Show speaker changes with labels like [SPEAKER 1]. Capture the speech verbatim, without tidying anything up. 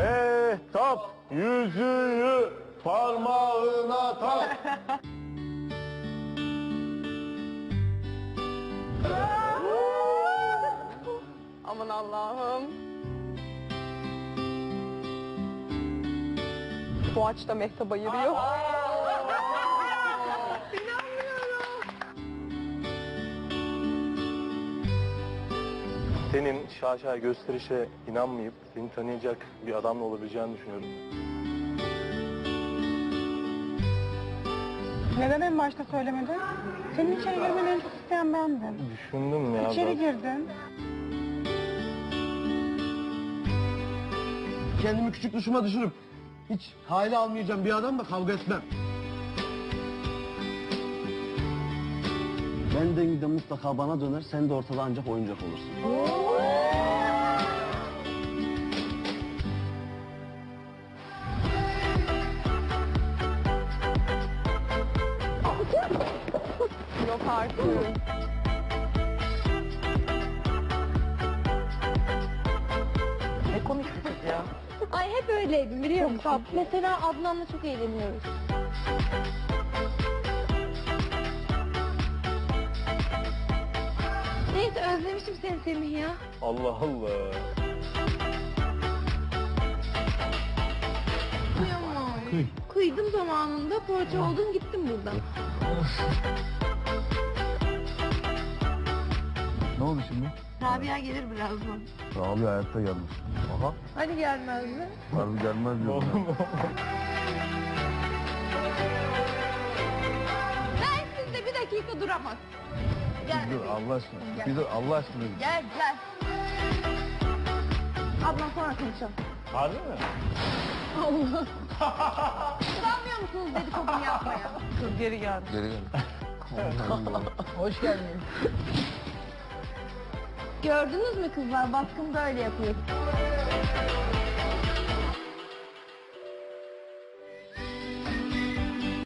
[SPEAKER 1] Mehtap yüzüğü parmağına tak.
[SPEAKER 2] Aman Allah'ım. Boğaç da Mehtap'a yürüyor.
[SPEAKER 1] Senin şaşa gösterişe inanmayıp seni tanıyacak bir adamla olabileceğini düşünüyorum.
[SPEAKER 3] Neden en başta söylemedin? Senin içeri girmeni en çok isteyen bendim.
[SPEAKER 1] Düşündüm ya.
[SPEAKER 3] İçeri
[SPEAKER 1] ben.
[SPEAKER 3] girdin.
[SPEAKER 4] Kendimi küçük dışıma düşürüp hiç hale almayacağım bir adamla kavga etmem. Benden de mutlaka bana döner, sen de ortada ancak oyuncak olursun.
[SPEAKER 2] Yok artık.
[SPEAKER 5] Ne komik bir kız ya.
[SPEAKER 6] Ay hep öyleydim biliyor musun? Mesela Adnan'la çok eğleniyoruz. Neyse özlemişim seni Semih ya.
[SPEAKER 1] Allah Allah.
[SPEAKER 6] Kıyamam. Kıydım zamanında, poğaça oldum gittim buradan.
[SPEAKER 4] Ne oldu şimdi?
[SPEAKER 6] Rabia gelir birazdan.
[SPEAKER 4] Abi hayatta gelmiş. Aha.
[SPEAKER 6] Hani gelmez mi?
[SPEAKER 4] Harbi gelmez diyorum.
[SPEAKER 6] Ben sizde bir dakika duramaz. Gel.
[SPEAKER 4] Dur Allah aşkına. Bir dur Allah aşkına.
[SPEAKER 6] Gel gel. Ablam sonra konuşalım.
[SPEAKER 1] Harbi mi?
[SPEAKER 6] Allah. Utanmıyor musunuz dedikodumu yapmaya?
[SPEAKER 2] Kız geri geldi.
[SPEAKER 4] Geri gel.
[SPEAKER 5] Hoş geldin.
[SPEAKER 6] Gördünüz mü kızlar? Baskın böyle yapıyor.